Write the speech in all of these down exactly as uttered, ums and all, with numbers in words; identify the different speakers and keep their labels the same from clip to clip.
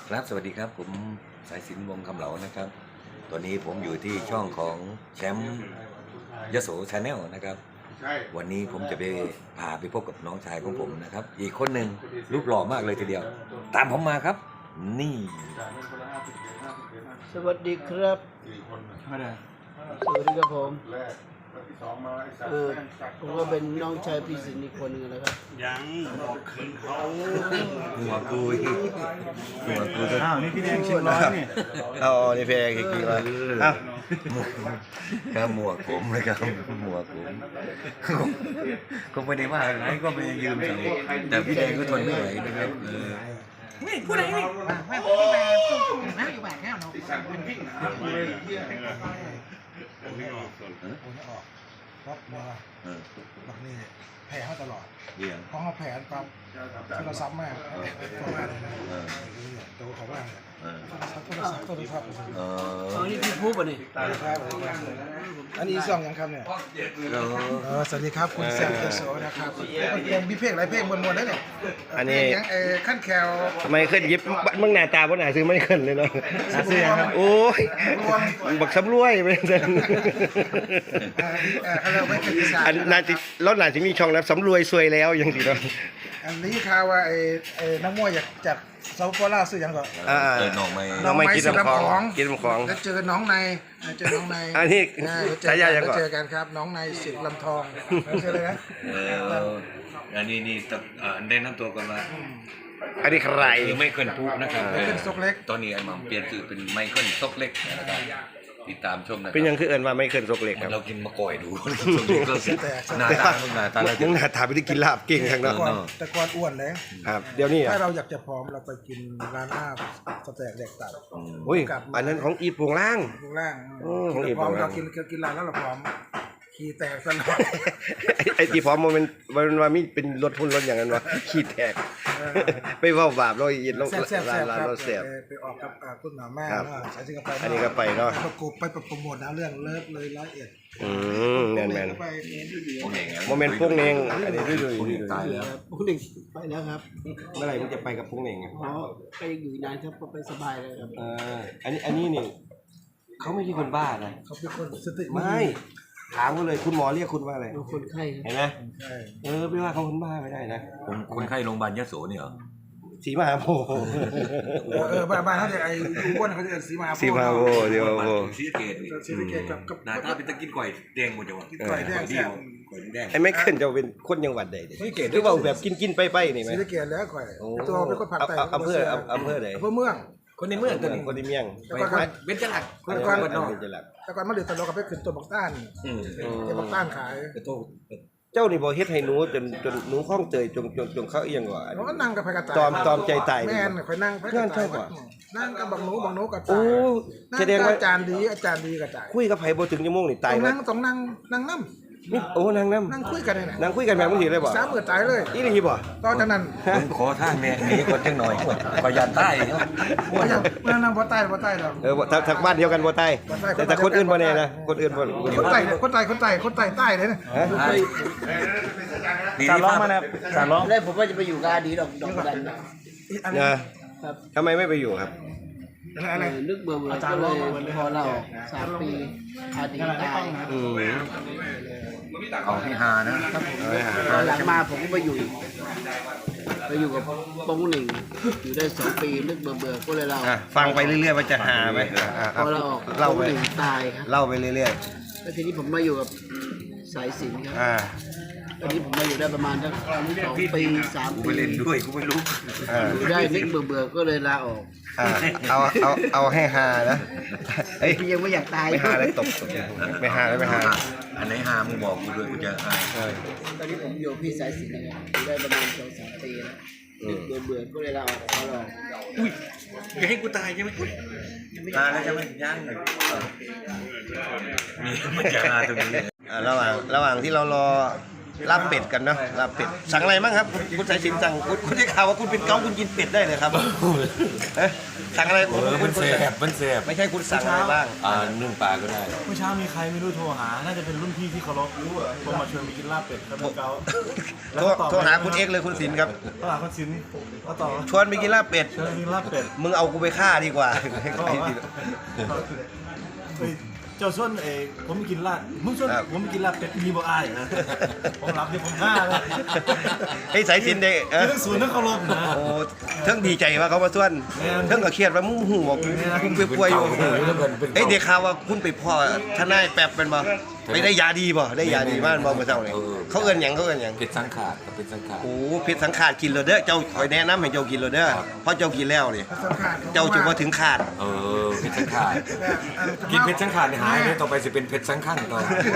Speaker 1: ครับสวัสดีครับผมสายสินวงคำเหลานะครับตอนนี้ผมอยู่ที่ช่องของแชมป์ยโสชาแนลนะครับวันนี้ผมจะไปพาไปพบกับน้องชายของผมนะครับอีกคนหนึ่งรูปหล่อมากเลยทีเดียวตามผมมาครับนี่
Speaker 2: สวัสดีครับสวัสดีครับผมเออผมก็เป็นน้องชายพี่สินอีกคนหนึ่งนะครับ
Speaker 3: ยังบอกคืนเขา
Speaker 1: หัวกุยหัวกุย
Speaker 3: อ้าวนี่พี่แดงชิมร้อยนี่
Speaker 1: เอานี่เพลงอีกทีมาอ้าวครับหมวกผมเลยครับหมวกผมก็ไม่ได้ว่าอะไรก็ไม่ยืมใส่แต่พี่แดงก็ทนไม่ไหวนะครับเออ
Speaker 4: นี่พูดอะไรนี่ไม่พูดที่มาพูดนะอยู่แบบแค่เนาะเป็นพี่
Speaker 5: รับมาบักนี่แผลเขาตลอด
Speaker 1: เดี๋ยว
Speaker 5: เพราะเขาแผลปั๊บโทรศัพท์มากตัวมากเลยนะตัวเขามากเลยโทรศัพท์โทรศัพท์
Speaker 1: เอ
Speaker 2: อ๋อนี่พี่พูดป่ะนี่
Speaker 5: อันนี้ซ่องยังครับเนี่ยสวัสดีครับคุณแซมเจโสนะครับยังมีเพลงหลายเพลงมวนๆได้เนี่ยอันนี้ยังเออขั้นแคล
Speaker 6: ทำไมขึ้นยิบมึงหน้าตาบ่หน้าซื้อไม่ขึ้นเลยเนาะ
Speaker 5: ซื้อครับ
Speaker 6: โอ้ยบักสำรวยไปซั่น
Speaker 5: เออเขาเรียกว่าเป็นอีสาน
Speaker 6: อันน่าสิแล้วน่าสิมีช่องแล้วสำรวยซวยแล้วจังซี่เนาะ
Speaker 5: อันนี้ข่าวว่าไอ้ไอ้นักมวยจากจากเซาท์โคราชซื้อยังก่อน
Speaker 6: อ่า
Speaker 1: เออน้องไม่
Speaker 6: น้องไม่กินน้ำของกินน้ำของ
Speaker 5: แล้วเจอน้องในเจอน้องใน
Speaker 6: อันนี้
Speaker 5: เจอ
Speaker 6: ฉายายัง
Speaker 5: ก็
Speaker 6: ก่อน
Speaker 5: เจอกันครับน้องในสิทธิ์ลำทองเจอเลยนะ
Speaker 1: เอออันนี้นี่ตับอ่าได้นำตัวกันมา
Speaker 6: อันนี้ใคร
Speaker 1: คือไม่เคิลพูนะครับ
Speaker 5: ไม่เป็นซกเล็ก
Speaker 1: ตอนนี้ไอ้หม่ำเปลี่ยนชื่อเป็นไมเคิลซกเล็กนะครับติดตามชมนะครับ
Speaker 6: เป็นหยังคือเอิ้นว่าไม่ขึ้นซกเล็กครับ
Speaker 1: เรากินมะก่อยดูซกเล็กก็หน้าตาหน้าตาเรา
Speaker 6: มึงหน้าตาไม่ได้กินลาบเก่งทาง
Speaker 5: แต่
Speaker 6: เนาะ
Speaker 5: ก่อนแต่ก่อนอ้วนเลย
Speaker 6: ครับ เดี๋ยวนี้
Speaker 5: ถ้า
Speaker 6: อ่ะ
Speaker 5: เราอยากจะผอมเราไปกินร้านอาบสแต็กแดกตับ
Speaker 6: อุ้ยอันนั้นของอีปวงล่าง
Speaker 5: ข้างล่าง
Speaker 6: โอ้ของอีก
Speaker 5: ผอม
Speaker 6: ของเรา
Speaker 5: เรากินกินร้านแล้วเราผอมขี้แตกสลอด
Speaker 6: ไอ้ไอ้ที่พร้อมมันเป็นมันว่ามีเป็นรถพุ่นรถอย่างนั้นวะขี้แตกไปเว้าบาปเราอีกเรา
Speaker 5: แซ่บแซ่บ
Speaker 6: ร้า
Speaker 5: แซ่
Speaker 6: น
Speaker 5: บ
Speaker 6: ร้าน
Speaker 5: ครับ
Speaker 6: เราแซ่บ
Speaker 5: ไปออกกับคุณหมอแม่
Speaker 6: ครับ
Speaker 5: เนาะใช้สิ่งกับไป
Speaker 6: อันนี้ก็ไปเนาะ
Speaker 5: ประกบไปโปรโมทนะเรื่องเลิฟเลยร้อยเอ็ด
Speaker 6: อืมแมนแมน
Speaker 5: ไป
Speaker 1: พวกเอง
Speaker 6: โมเมนต์พวกเนงอันนี้ด้วย
Speaker 1: พวกเองตายแล้ว
Speaker 2: คุณหนึ่งไปแล้วครับ
Speaker 6: เมื่อไหร่มึงจะไปกับพวกเนงอ่ะ
Speaker 2: อ๋อไปอยู่นานครับก็ไปสบายเลยครับ
Speaker 6: เอออันนี้อันนี้นี่เขาไม่ใช่คนบ้านะ
Speaker 5: เขาเป็นคนสติ
Speaker 6: ไม่ถามเขาเลยคุณหมอเรียกคุณว่าอะไร
Speaker 2: ดูคนไข้ครับ
Speaker 6: เห็นไหม
Speaker 5: ใช่
Speaker 6: เออไม่ว่าเขาคนบ้าไม่ได้นะ
Speaker 1: ผมคนไข้โรงพยาบาลยโสเนี่ยเหรอ
Speaker 6: สีมหาโพธิ์
Speaker 5: เออบ้านบ้านเขาจะไอ้อ้วนเขาจะสีมา
Speaker 6: สีมหาโพธิ์เดียวโพธิ์
Speaker 1: ซีสเกต
Speaker 5: สีสะเกตกับกับ
Speaker 1: หน้าตาเป็นตะกินก่อยแดงหมดจังหวะ
Speaker 5: ก่อยแดง
Speaker 1: ดี
Speaker 5: แซ่บ
Speaker 1: ก่อยแดง
Speaker 6: ไอ้ไม่ขึ้นจะเป็นคนจังหวัดใดดิ
Speaker 1: ไม่เกต
Speaker 6: หรือว่าแบบกินกินไปไปนี่ไหม
Speaker 5: สีสะเกตแล้วก่อย
Speaker 6: โอ้
Speaker 5: ตัวเป็นคนผักไต
Speaker 6: อำเภออำเภอไหน
Speaker 5: อำเภอเมือง
Speaker 1: คนในเมืองตัวนี้
Speaker 6: คนที่เมียง
Speaker 5: แต่ก่อน
Speaker 1: เบญจลักษณ์
Speaker 5: แต่ก่อน
Speaker 6: คนที่จะหลัก
Speaker 5: แต่ก่อนมาเดือดตลกกับไปขึ้นตัวบักต้าน
Speaker 1: อืม
Speaker 5: เก็บบักต้านขาย
Speaker 1: แต่โต
Speaker 6: เจ้านี่บ่เฮ็ดให้หนูจนจนหนูคล่องเตยจนจนจนเขาเอียงว่า
Speaker 5: เราก็นั่งกับไผกระต่าย
Speaker 6: ตอมตอมใจตาย
Speaker 5: แม่นคอยนั่งไผกระ
Speaker 6: นั่น
Speaker 5: ต่า
Speaker 6: ใช่
Speaker 5: ย
Speaker 6: ปะ
Speaker 5: นั่งกับบักหนูบักหนูกระ
Speaker 6: โอ้
Speaker 5: ต่ายนั่ง
Speaker 6: แสดง
Speaker 5: กับ
Speaker 6: ว่า
Speaker 5: อาจารย์ดีอาจารย์ดีกระต่าย
Speaker 6: คุยกับไผบ่ถึงชั่วโมงนี่ตาย
Speaker 5: ต้อง
Speaker 6: แล้
Speaker 5: นั่
Speaker 6: ว
Speaker 5: งต้องนั่งนั่งน้
Speaker 6: นี่โอ้นางน้
Speaker 5: ำนั่งคุยกันเลยนะ
Speaker 6: ำนางคุยกันแบบมึงสิเลยบ่
Speaker 5: สามมือตายเลย
Speaker 6: อีนี่บ่
Speaker 5: ตอนนั้น
Speaker 1: ผมขอท่านเนี่ยหนีคนจังหน่อยขอยานใต้
Speaker 5: ว่าจะนั่งนั่งบ่ใต้บ่ใต้หรอก
Speaker 6: เออบ่ถ้าถ้าบ้านเดียวกันบ่ตาย
Speaker 5: บ่ตาย
Speaker 6: แต่แต่คนอื่นบ่แน่นะคนอื่นบ่
Speaker 5: คนใต้คนใต้คนใต้คนใต้ใต้เลยนะ
Speaker 6: ฮะ
Speaker 1: ดี
Speaker 3: สาร
Speaker 1: ที่
Speaker 3: ร้อง
Speaker 1: ภาพ
Speaker 3: มานะสารร้อง
Speaker 2: แรกผมว่าจะไปอยู่กับอาดีดอกดอกดันนะ
Speaker 5: อันนี้
Speaker 6: นะครับ ทำไมไม่ไปอยู่ครับ
Speaker 5: อะไร
Speaker 2: เออนึกเบื่อเบื่อก็เลยพอเราสามปีอาดีตาย
Speaker 6: อืม
Speaker 1: เอาให้ฮานะ
Speaker 6: เอาไว้หา
Speaker 2: ตอนหลังมาผมก็ไปอยู่ ไปอยู่กับปงหนึ่งอยู่ได้สองปีนึกเบื่อเบื่อก็เลยเรา
Speaker 6: อ่ะฟังไปเรื่อยๆว่าจะหาไหมอ่ะอ่ะ
Speaker 2: พอเราออก
Speaker 6: เล่า
Speaker 2: ปง
Speaker 6: ไป
Speaker 2: หนึ่งตายครับ
Speaker 6: เล่าไปเรื่อย
Speaker 2: แล้วทีนี้ผมมาอยู่กับสายสิญจน์ครับ
Speaker 6: ๆอ่า
Speaker 2: ตอนนี้ผมมาอยู่ได้ประมาณสักสองปีสาม
Speaker 1: กู
Speaker 2: ปี
Speaker 1: ไปเล่นด้วยกูไม่รู้
Speaker 6: อ่า
Speaker 2: อยู่ได้นึกเบื่อเบื่อก็เลยลาออก
Speaker 6: อ่าเอาเอาเอาให้หานะเอ้ย
Speaker 2: พี่ยังไม่อยากตาย
Speaker 6: ไม่หาแล้วตบตบไม่หาแล้วไม่หา
Speaker 1: อันไหนฮามึงบอกกูด้วยกูจะฮา
Speaker 6: เออ
Speaker 2: ตอนนี้ผมอยู่กับพี่สายสิญจน์นะครับอยู่ได้ประมาณสองสามปีแล้วนึกเบื่อเบื่อก็เลยลาออกเขาลอง
Speaker 1: อุ้ยอย่าให้กูตายใช่ไหมอุ้ยตายแล้วใช่ไหมยังเลยนี่มันจะฮาตรงนี้
Speaker 6: อ่าระหว่างระหว่างที่เรารอลาบเป็ดกันเนาะลาบเป็ดสั่งอะไรบ้างครับคุณคุณสายสินสั่งคุณคุณได้ข่าวว่าคุณเป็นเกาคุณกินเป็ดได้เลยครับเอ๊ะสั่งอะไร
Speaker 1: เออมันแสบมันแสบ
Speaker 6: ไม่ใช่คุณสั่งอะไรบ้าง
Speaker 1: อ่านึ่งปลาก็ได้
Speaker 3: เมื่อเช้ามีใครไม่รู้โทรหา น่าจะเป็นรุ่นพี่ที่เคารพโทรมาชวนไปกินลาบเป็ดครับเกา
Speaker 6: โทรโทรหาคุณเอ็กซ์เลยคุณสินครับ
Speaker 3: โทรหาคุณสินก็ต่อ
Speaker 6: ชวนไปกินลาบเป็ด
Speaker 3: ชวนไปกินลาบเป็ด
Speaker 6: มึงเอากูไปฆ่าดีกว่า
Speaker 3: ก็บอกว่าเฮ้ยเจ้าส่วนเอกผมไม่กินลาบมึงส่วนผมไม่กินลาบเป็ดมีบ่อายนะผมรับที่ผมฆ่าเลย
Speaker 6: ไอ้สายสินเด็กเออ
Speaker 3: เรื่องศูนย์นักเคารพนะ
Speaker 6: โอ้เทั้งดีใจว่าเขามาส่วนเทั้งก็เครียดว่ามึงหูบอกคุณไปป่วยอยู่เอ้ยเด็กข่าวว่าคุณไปพ่อทนายแป๊บเป็นบ่ไปได้ยาดีบ่ได้ยาดีมากบ่เมื่อเช้านี่เขาเอิ้นหยังเขาเอิ้นหยัง
Speaker 1: เป็ดสังขาดกับเป็ดสังขาด
Speaker 6: โอ้เพชรสังขาดกินเลยเด้อเจ้าคอยแนะนำให้เจ้ากินเลยเด้อเพราะเจ้ากินแล้วนี่เจ้าจะมาถึงขาด
Speaker 1: เออเป็ดสังขาดกินเป็ดสังขาดนี่หายเลยต่อไปจะเป็นเป็ดสังขังต่อก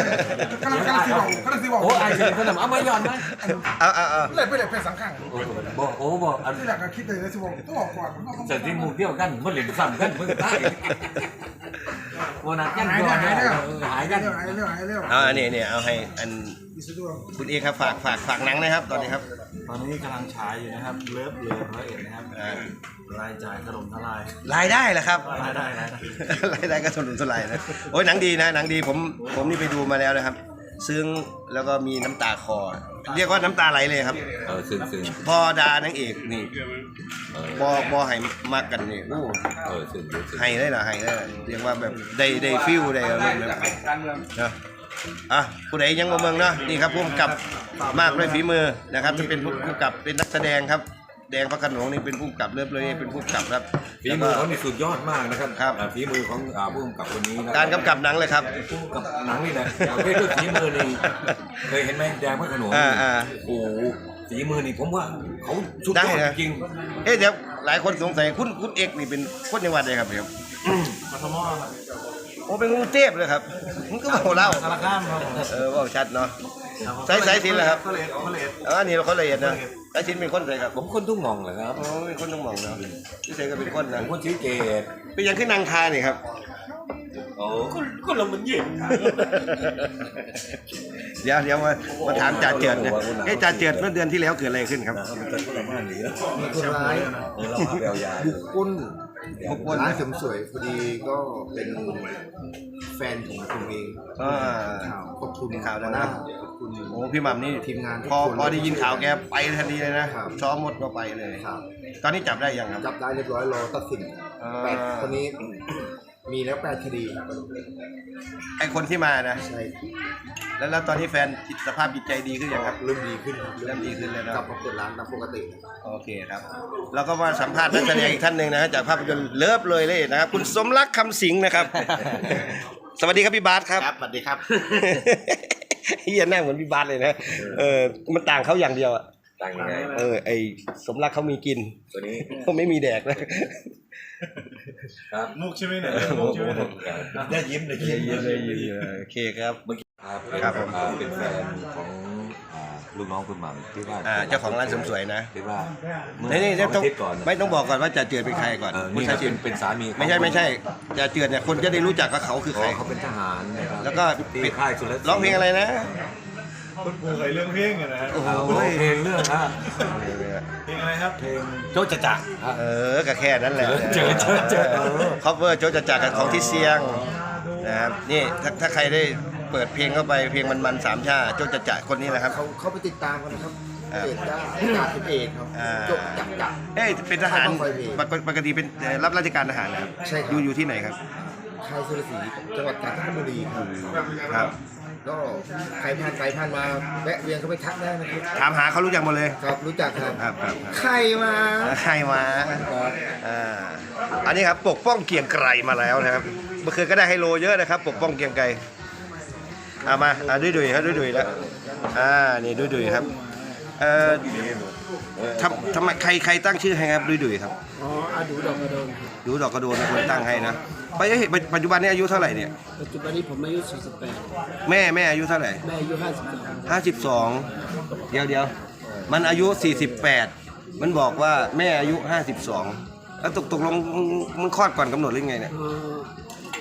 Speaker 5: ำลังกำลังสิบอกกำลังสิบอก
Speaker 1: โอ้ไอ้เห็นขนมเอามาหย่อนไหม
Speaker 6: เอาเอาเอา
Speaker 5: เลยไปเลยเป็นสังขัง
Speaker 1: บอกโอ้บอกอัน
Speaker 5: ที่หลักก็คิดเลยนะสิบอกต้องบอกก่อน
Speaker 1: เสร็จที่หมู่เดียวกันมันเหลือซ้ำกันเมื่อตายวันนั้นกัน
Speaker 5: หาย
Speaker 1: ก่
Speaker 5: เรื่
Speaker 1: อ
Speaker 5: อน งหายเรื่อง
Speaker 1: หายกัน
Speaker 5: หายเรื่องหายเรื่อง
Speaker 6: เอาอันนี้เนี่ยเอาให้อัน
Speaker 5: อีสะดวก
Speaker 6: คุณเอกครับฝากฝากฝากหนังนะครับตอนนี้ครับ
Speaker 3: ตอนนี้กำลังฉายอยู่นะครับเลิฟเลิฟร้อยเอ็ดนะครับ
Speaker 6: อ่าร
Speaker 3: ายจ่ายถล่มทลาย
Speaker 6: รายได้เหรอครับ
Speaker 3: รายได้รายได้
Speaker 6: รายได้ก็สนุนสลายนะโอ้ยหนังดีนะหนังดีผมผมนี่ไปดูมาแล้วนะครับ ซึ้งแล้วก็มีน้ำตาคอ เรียกว่าน้ำตาไหลเลยครับ
Speaker 1: เออซึ้งซึ้ง
Speaker 6: พอดานางเอกนี่บอบอให้มากกันนี่โอ้
Speaker 1: เออซึ้งซึ้ง
Speaker 6: ให้ได้เหรอให้ได้เรียกว่าแบบได้ได้ฟิลได้อะไรแบบนะอ่ะผู้ใดยังบ่เมืองเนาะนี่ครับผู้กำกับมากด้วยฝีมือนะครับจะเป็นผู้กำกับเป็นนักแสดงครับแดงพระโขนงนี่เป็นผู้กำกับเลิฟเลยเป็นผู้กำกับครับ
Speaker 1: ฝีมือเขานี่สุดยอดมากนะครับ
Speaker 6: ครับ
Speaker 1: อ่าฝีมือของอ่าผู้กำกับคนนี้นะ
Speaker 6: การกำกับหนังเลยครับ
Speaker 1: ผู้กำกับหนังนี่นะประเภทด้วยฝีมือนี่เคยเห็นไหมแดงพระโขนง
Speaker 6: อ่าอ่า
Speaker 1: โอ้โหฝีมือนี่ผมว่าเขาสุดย
Speaker 6: ได้
Speaker 1: อด
Speaker 6: นะ
Speaker 1: จริง
Speaker 6: เอ๊ะเดี๋ยวหลายคนสงสัยคุณคุณเอกนี่เป็นคนจังหวัดใดครับเนี่ย
Speaker 3: กทมครับ
Speaker 6: โอ้เป็นกรุงเทพเลยครับมันก็บอกเล่า
Speaker 3: สารคามครับผม
Speaker 6: เออว่าชัดเนาะ สายสายสินเหรอครับ
Speaker 3: เขาเลดเขาเลด
Speaker 6: เออนี่เราคนละเอียดนะสายสินเป็นคนใส่ครับ
Speaker 1: ผมคนทุ่งหมองเหรอครับ
Speaker 6: โอ้เป็นคนต้องมองเนาะพี่เสกก็เป็นคนนะ
Speaker 1: ผมคนชื่อเกด
Speaker 6: เป็นยังขึ้นนางคานี่ครับ
Speaker 1: โอ้คนคนเรามันเย็น
Speaker 6: เดี๋ยวเดี๋ยวมามาถามจ่าเจิดนะเอ๊ะจ่าเจิดเมื่อเดือนที่แล้วเกิดอะไรขึ้นครับ
Speaker 1: มันจะคนละบ้านหรือ
Speaker 2: มีคนร้าย
Speaker 1: เออเราพาไปเอายา
Speaker 2: บุกปล้น
Speaker 6: บุกปล้น
Speaker 2: ร้านเสริมสวยพอดีก็เป็นแฟนของผมเอง
Speaker 6: อ่า
Speaker 2: ข่าวขอบคุณ
Speaker 6: ข่าวแล้วนะ
Speaker 2: ขอบคุณ
Speaker 6: โอ้พี่หม่ำนี่
Speaker 2: ทีมงานทุก
Speaker 6: พอ
Speaker 2: คน
Speaker 6: พอได้ยินข่าวแกไปทันทีเลยนะครับ ซ้อมหมดก็ไปเลย
Speaker 2: ครับ
Speaker 6: ตอนนี้จับได้ยังครับ
Speaker 2: จับได้เรียบร้อยรอตัดสิน
Speaker 6: อ่า
Speaker 2: แปดตอนนี้มีแล้วแปดคดี
Speaker 6: ไอคนที่มานะ
Speaker 2: ใช่
Speaker 6: แล้วแล้วตอนนี้แฟนจิตสภาพจิตใจดีขึ้นยังครับ
Speaker 2: เริ่มดีขึ้นครับ
Speaker 6: เริ่มดีขึ้นเลยเนอะ
Speaker 2: กลับมาเปิดร้านตามปกติ
Speaker 6: โอเคครับแล้วก็มาสัมภาษณ์นักแสดงอีกท่านหนึ่งนะฮะจากภาพยนตร์เลิฟเลยเลยนะครับ คุณสมรักคำสิงห์นะครับ สวัสดีครับพี่บาสครับ
Speaker 2: ครับสวัสดีครับ
Speaker 6: เฮียหน้าเหมือนพี่บาสเลยนะเออมันต่างเขาอย่างเดียวอะ
Speaker 1: ต่างยังไง
Speaker 6: เออไอสมรักเขามีกิน
Speaker 1: ตัวนี้
Speaker 6: เขาไม่มีแดกเลย
Speaker 1: ครับ
Speaker 3: มุกใช่ไหมเนี่ยมุกใช่ไหมเนี่ย
Speaker 1: ได้ยิ้มเลย
Speaker 6: เยอะเลยโอเคครับ
Speaker 1: ครับ
Speaker 6: ครับผม
Speaker 1: อ่าเป็นแฟนของอ่าลูกน้องคุณหม่ำที่ว่า
Speaker 6: อ่าเจ้าของร้านเสริมสวยนะ
Speaker 1: ที่ว่าเมื่อ
Speaker 6: นี่นี่
Speaker 1: สอง
Speaker 6: ต้อง
Speaker 1: อาทิตย์ก่อน
Speaker 6: ไม่ต้องบอกก่อนว่าจ่าเจือดเป็นใครก่อน
Speaker 1: เออ
Speaker 6: คุณ
Speaker 1: นี่
Speaker 6: ชา
Speaker 1: นะ
Speaker 6: ชิ
Speaker 1: เป็น นเป็นสามีของ
Speaker 6: ไม่ใช่ไม่ใช่จ่าเจือดเนี่ยคนจะได้รู้จักว่าเขาคือ
Speaker 1: อ๋
Speaker 6: ใคร
Speaker 1: อเขาเป็นทหารนะครับ
Speaker 6: แล้วก็
Speaker 1: ที่ค่ายสุรศ
Speaker 6: ร้องเพลงอะไรนะ
Speaker 3: คนปูเคยเรื่องเพลงอะนะฮะ
Speaker 6: โอ้โห
Speaker 1: อ่าร้องเพลงเรื่องอ่ะ
Speaker 3: เพลงอะไรครับ
Speaker 1: เพลงโจ๊ะจะจักครับ
Speaker 6: เออก็แค่นั้นแหละ
Speaker 1: เจอเจอเจอ
Speaker 6: คอฟเวอร์โจจะจากกับของที่เสียงนะครับนี่ถ้าถ้าใครได้เปิดเพลงเข้าไปเพลงมันๆสามชาโจจะจากคนนี้แหละครับ
Speaker 2: เขาเขาไปติดตามกันนะครับ
Speaker 6: ครับ
Speaker 2: เอกจ้าจ่าสิบเอกครับ
Speaker 6: อ่า
Speaker 2: จบจับจับ
Speaker 6: เอ้ยเป็นทหาร
Speaker 2: ต้องไปเพลง
Speaker 6: ปกปกติเป็นเอ่อรับราชการทหารนะครับ
Speaker 2: ใช่ครับ
Speaker 6: อยู่อยู่ที่ไหนครับ
Speaker 2: ค่ายสุรศรีจังหวัดกาญจนบุรีครับ
Speaker 6: ครับ
Speaker 2: ก็ใครผ่านไปผ่านมาแวะเวียนเข้าไปทักได้นะครับ
Speaker 6: ถามหาเขารู้จักหมดเลย
Speaker 2: ครับรู้จักครับ
Speaker 6: ครับครับครับ
Speaker 2: ใครมา
Speaker 6: ใครมาอ่าอันนี้ครับปกป้องเกรียงไกรมาแล้วนะครับเมื่อคืนก็ได้ไฮโลเยอะนะครับ ปกป้องเกรียงไกรเอามาอ่าดุยดุยครับดุยดุยแล้วอ่านี่ดุยดุยครับเอ่อทำทำไมใครใครตั้งชื่อให้ครับดุยดุยครับ
Speaker 2: อ๋ออาดูดอกกระโดนครับ
Speaker 6: ดูดอกกระโดนเป็นคนตั้งให้นะไปเอ้ยปัจจุบันนี้อายุเท่าไหร่เนี่ย
Speaker 2: ปัจจุบันนี้ผมอายุสี่สิบแปด
Speaker 6: แม่แม่อายุเท่าไหร่
Speaker 2: แม่อายุห้าสิบสอง
Speaker 6: ห้าสิบสองเดี๋ยวเดี๋ยวมันอายุสี่สิบแปดมันบอกว่าแม่อายุห้าสิบสองแล้วตกตกลงมึงมึงคลอดก่อนกำหนดหรือไงเนี่ย
Speaker 2: เอ่อ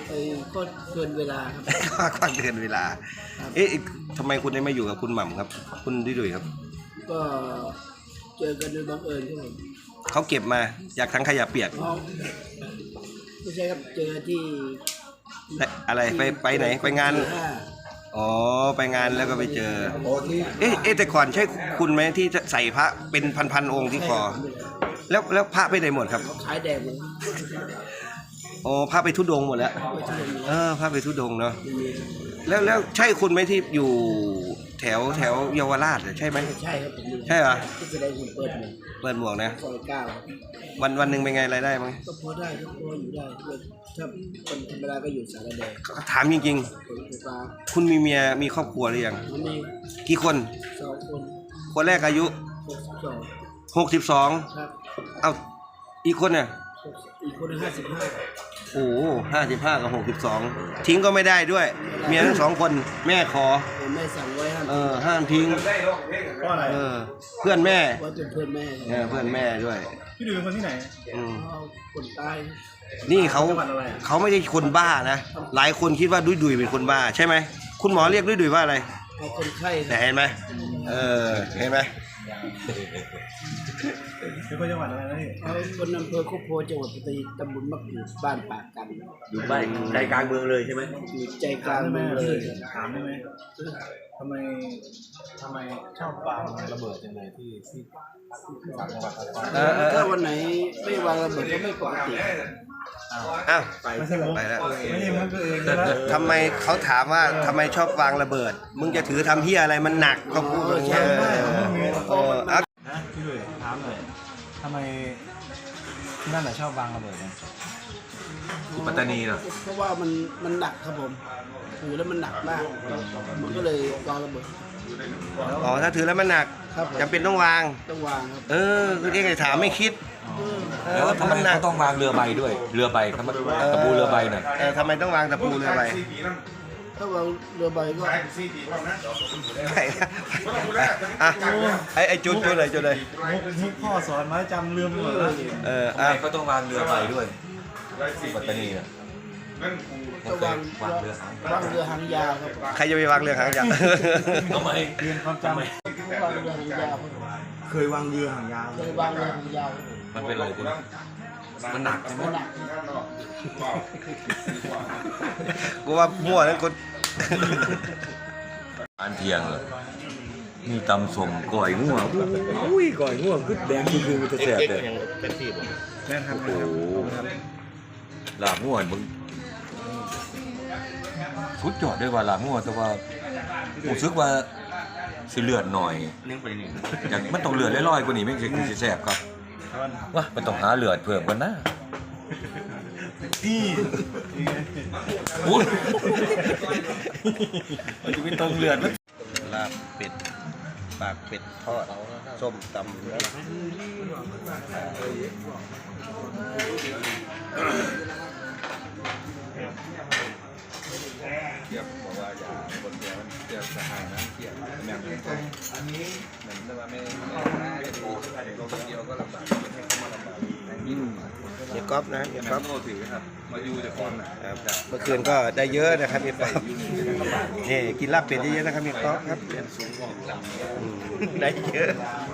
Speaker 2: ไอ้ก็เกินเวลาครับ
Speaker 6: กว้างเกินเวลา เอ๊ะทำไมคุณได้มาอยู่กับคุณหม่ำครับ คุณดุยดุยครับ
Speaker 2: ก็เจอกันโดยบังเอิญครับผม
Speaker 6: เขาเก็บมาจากทั้งขยะเปียก
Speaker 2: เพราะไม่ใช่ครับเจอที่
Speaker 6: อะไรไปไปไหนไปงาน
Speaker 2: ห้า
Speaker 6: อ๋อไปงานแล้วก็ไปเจอ เอ๊ะเอ๊ะแต่ก่อนใช่คุณไหมที่ใส่พระเป็นพันๆองค์ที่คอ แล้วแล้วพระไปไหนหมดครับ
Speaker 2: ขายแดงเลย
Speaker 6: อ๋อพระไปทุดงค์หมดแล้ว เออพระไปทุดงค์เนาะ แล้วแล้วใช่คุณไหมที่อยู่แถวแถวเยาวราชอะใช่ไหม
Speaker 2: ใช่ครับผม
Speaker 6: ใช่เหรอ
Speaker 2: ที่แสดงหุ่นเปิดหมวก
Speaker 6: เปิดหมวกนะ
Speaker 2: ซอยเก้า
Speaker 6: วันวันหนึ่งเป็นไงรายได้มั้ง
Speaker 2: ก็พอได้ก็พออยู่ได้ถ้าคนธรรมดาก็อยู่สารแดง
Speaker 6: ถามจริง
Speaker 2: คนไฟฟ้า
Speaker 6: ๆ คุณมีเมียมีครอบครัวหรือยัง
Speaker 2: มันมี
Speaker 6: กี่คน
Speaker 2: สองคน
Speaker 6: คนแรกอายุ
Speaker 2: หกสิบสอง
Speaker 6: หกสิบสอง
Speaker 2: ครับ
Speaker 6: เอ้าอีกคนเนี่ย
Speaker 2: อีกคนห้าสิบห้า
Speaker 6: โอ้ห้าสิบห้ากับหกสิบสองทิ้งก็ไม่ได้ด้วย เมียทั้งสองคนแม่ขอ
Speaker 2: แม่สั่งไว้ห้าม
Speaker 6: เออห้ามทิ้ง
Speaker 3: เพราะอะไร
Speaker 6: เออ เพื่อนแม่
Speaker 2: ไว้เป็นเพื่อนแม่
Speaker 6: เออเพื่อนแม่ด้วย
Speaker 3: พี่ดุยเป็นคนที่ไหน
Speaker 6: อืม
Speaker 2: เอาคนตาย
Speaker 6: นี่เขา
Speaker 3: จังหวัดอะไรอะ
Speaker 6: เขาไม่ได้คนบ้านะ หลายคนคิดว่าดุยดุยเป็นคนบ้าใช่ไหมคุณหมอเรียกดุยดุยว่าอะไร
Speaker 2: เอาคนไข้
Speaker 6: แต่เห็นไหมเออเห็นไหม
Speaker 3: เป็นคนจังหวัดอะไรนะพี่
Speaker 2: เอาคนอำเภอโคกโพจังหวัดปัตตานีตำบลมะกรูดบ้านปากกัน
Speaker 1: อยู่บ้านใจกลางเมืองเลยใช่ไหม
Speaker 2: อยู่ใจกลาง
Speaker 3: ได้ไหม
Speaker 2: เมือง
Speaker 3: พี่
Speaker 2: เลย
Speaker 3: ถามได้ไหมทำไมทำไมชอบวางระเบิดจังเลยที่ที่ต่างจังหวัดต่าง
Speaker 6: เออเออเอ
Speaker 2: ถ้า
Speaker 6: อ
Speaker 2: วันไหนไม่วางระเบิดก็ไม่ปกติ
Speaker 6: อ้าว
Speaker 3: ไม่ใช่มุก
Speaker 6: ไปแล้ว
Speaker 3: ไม่ใช่มุกตัวเองนะ
Speaker 6: ทำไมเขาถามว่าทำไมชอบวางระเบิด มึงจะถือทำเฮียอะไรมันหนักเขาพูดอย่างเงี้ยเออเออเอา
Speaker 3: นะพี่ดุยถามหน่อยทำไมที่นั่นน่ะชอบวางระเบิดกัน
Speaker 1: อยู่ปัตตานีเหรอ
Speaker 2: เพราะว่ามันมันหนักครับผมถือแล้วมันหนักมากมันก็เลยวางระเบิด
Speaker 6: อ๋อถ้าถือแล้วมันหนัก
Speaker 2: ครับผม
Speaker 6: จำเป็นต้องวาง
Speaker 2: ต้องวางครับ
Speaker 6: เออคือเรียกไอ้ถามไม่คิดเอ
Speaker 1: แล้ว
Speaker 6: อ
Speaker 1: ทำไม
Speaker 6: มันหนัก
Speaker 1: เขาต้องวางเรือใบด้วย เรือใบครับตะปูเรือใบน่ะ
Speaker 6: เออทำไมต้องวางตะปูเรือใบ
Speaker 2: ถ้าวางเรือใบก็
Speaker 6: ไปอ่ะไอ้ไอ้จุดจุดเลยจุดเลย
Speaker 3: มุกมุกพ่อสอนมาจำลืมไปหมดแล้ว
Speaker 6: เออ
Speaker 1: ทำ
Speaker 6: อ่ะ
Speaker 1: ไมเขาต้องวางเรือใบด้วยที่ปัตตานีน่ะผม
Speaker 2: ต้อง
Speaker 1: เค
Speaker 2: วาย ง
Speaker 1: วางเรือหาง
Speaker 2: วางเรือหางยาวครับ
Speaker 6: ใครจะไปวางเรือหางยาว
Speaker 1: ทำไม
Speaker 3: เรียนความจำ
Speaker 2: วางเรือหางยาวครับ
Speaker 3: เคยวางเรือหางยาว
Speaker 2: เคยวางเรือหางยาว
Speaker 1: มันเป็นอะไรคุณมันหนักใช่ไหม
Speaker 2: มันหนัก
Speaker 6: กูว่ามั่วนั้นคน
Speaker 1: อันเทียงเหรอมีตำส่งก่อยง่วงอุ้ยก่อยง่วงคือแดงคือคือมันจะแสบเลย
Speaker 3: แม่นครับ
Speaker 1: โอ้โหลาบง่วงมึงสุดยอดด้วยว่าลาบง่วงแต่ว่าผมซึกว่าสิเลือดหน่อยอย่างมันต้องเลือดลอยๆกว่านี้ไม่ใช่คือสิแสบครับว่ามันต้องหาเลือดเพิ่มกันนะ
Speaker 3: นี่
Speaker 1: อุ้ยมันจะไม่ต้องเลือดมัน
Speaker 6: ลาบเป็ดปากเป็ดทอดส้มตำเฮียก๊อฟนะเฮียก๊อฟเมื่อคืนก็ได้เยอะนะครับเฮียก๊อฟนี่กินลาบเป็ดเยอะๆนะครับเฮียก๊อฟครับอืมได้เยอะ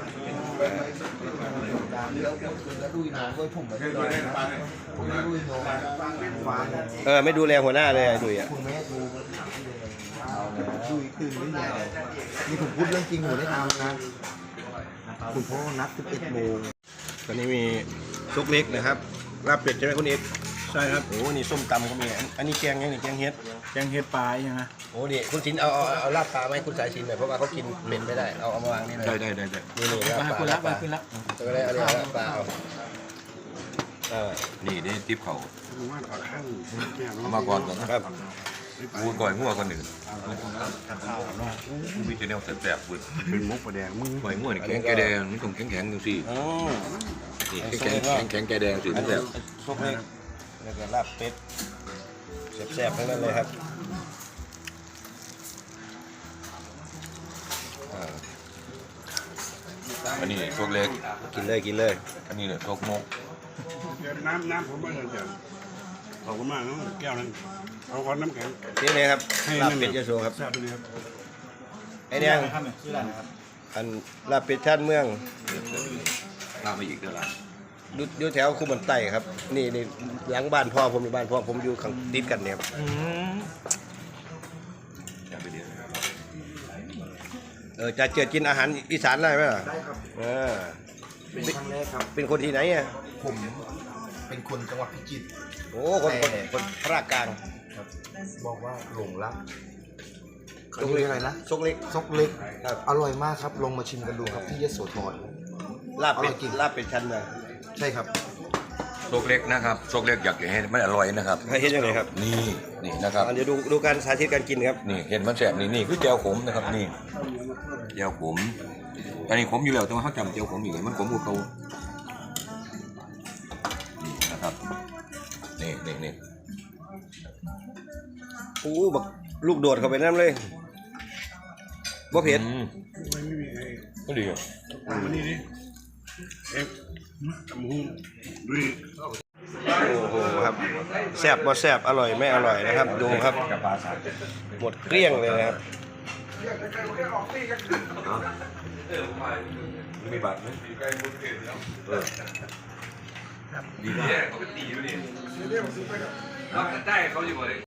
Speaker 6: เออไม่ดูแลหัวหน้าเลยอะดุยอ่ะ
Speaker 5: นี่ผมพูดเรื่องจริงผมได้ทำนะคุณพ่อนัดสิบเอ็ดโมง
Speaker 6: ตอนนี้มีซุกเล็กนะครับลาบเป็ดใช่ไหมคุณเอก
Speaker 3: ใช่ครับ
Speaker 6: โอ้นี่ส้มตำก็มีอันอันนี้แกงยังนี่แกงเฮ็ด
Speaker 3: แกงเห็ดปลาอย่างนะ
Speaker 6: โอ้นี่คุณชินเอาเอาเอาลาบปลาไหมาให้คุณสายชินหน่อยเพราะว่าเขากินเป็ดไม่ได้เอาเอามาวางนี่เลย
Speaker 1: ได้ได้ได้ได้
Speaker 6: นี่นี่ลาบ
Speaker 3: มา
Speaker 6: ปลา
Speaker 3: คุณ
Speaker 6: ลา
Speaker 3: ละ
Speaker 6: บป
Speaker 3: มา
Speaker 6: ลา
Speaker 3: คุณละ
Speaker 6: ตัวอะไรอะไรลาบปลาเอาเออ
Speaker 1: นี่นี่ทิปเขาเอามาก่อนก่อนนะครับกูก่อยง่วงก่อนหนึ่งกูมีแต่แนวแสบๆบุญ
Speaker 5: เป็นมุกประแดงมึง
Speaker 1: ก่อยง่วงนี่แข็งแกแดงนี่ต้องแข็งแข็งๆดูสิ
Speaker 6: อ๋อ
Speaker 1: นี่แข็งแข็งแข็งแกแดงสิ
Speaker 6: อั
Speaker 1: มัน น
Speaker 6: นี้
Speaker 1: แบบ
Speaker 6: ซุกเล็กแล้วก็ลาบเป็ดแซ่บๆทั้งนั้นเลยครับอ่า
Speaker 1: อันนี้พวกเล็ก
Speaker 6: กินเลยกินเลย
Speaker 1: อันนี้เนี่ยพวกมก
Speaker 2: น้ำน้ำผมไม่เห็นเดี๋ยว
Speaker 6: อ
Speaker 7: ขอบคุณมากนะแก้วนั้นเอาก้อนน้ำแข็ง
Speaker 6: นี่เลยครับ
Speaker 7: ให้
Speaker 6: ลาบ
Speaker 7: นั่น
Speaker 6: เป็ดยโสครับ
Speaker 7: ทราบไปเลยครับ
Speaker 6: ไอ้แดง
Speaker 3: ครับเนี่ยชื่อร้านนะครับ
Speaker 6: อันลาบเป็ดท่านเมือง
Speaker 1: ลาไปอีกเท่าไหร่
Speaker 6: อยู่อยู่แถวคูบันไต่ครับ นี่นี่หลังบ้านพ่อผมอยู่บ้านพ่อผมอยู่ข้างติดกันเนี่ยครับ
Speaker 1: จะไปเดียว
Speaker 6: เออจะเจอกินอาหารอีสานได้ไหมล่ะ
Speaker 5: ได้ครับ
Speaker 6: เออ
Speaker 5: เป็นครั้งแรกครับ
Speaker 6: เป็นคนที่ไหนอ่ะ
Speaker 5: ผมเป็นคนจังหวัดพิจิตร
Speaker 6: โอ้คนคนคนภาคกลาง
Speaker 5: บอกว่าหลงรัก
Speaker 6: ซกเล็ก
Speaker 5: อะไรนะ
Speaker 6: ซกเล็ก
Speaker 5: ซกเล็ก
Speaker 6: ครับ
Speaker 5: อร่อยมากครับ ลงมาชิมกันดูครับที่ยโสธร
Speaker 6: ลาบเป็
Speaker 5: อร่
Speaker 6: ด
Speaker 5: อยจริง
Speaker 6: ลาบเป็ดชั้นเมือง
Speaker 5: ใช่ครับ
Speaker 1: โซกเล็กนะครับโซกเล็กอยากให้มันอร่อยนะครับ
Speaker 6: ให้เห็นยังไงครับ
Speaker 1: นี่นี่นะครับ
Speaker 6: อ่ะเดี๋ยวดูดูการสาธิตการกินครับ
Speaker 1: นี่เห็นมันแสบนี่นี่คือแจวขมนะครับนี่แจวขมอันนี้ขมอยู่แล้วแต่ว่าเขาจำแจวขมอยู่ไงมันขมกว่าเขานี่นะครับนี่นี่นี่
Speaker 6: โอ้บักลูกโดดเข้าไปน้ำเลยบ่เผ็ด
Speaker 1: อืมก็ดีอ่ะ
Speaker 7: วันนี้ดิเอ็มทำหุ้นดูดิ
Speaker 6: โอ้โหครับแซ่บบ่แซ่บอร่อยไม่อร่อยนะครับ ดูครับ
Speaker 1: กับปลาสาด
Speaker 6: หมดเกลี้ยงเลยนะครับ
Speaker 1: มีบัตรไหมเออดีมาก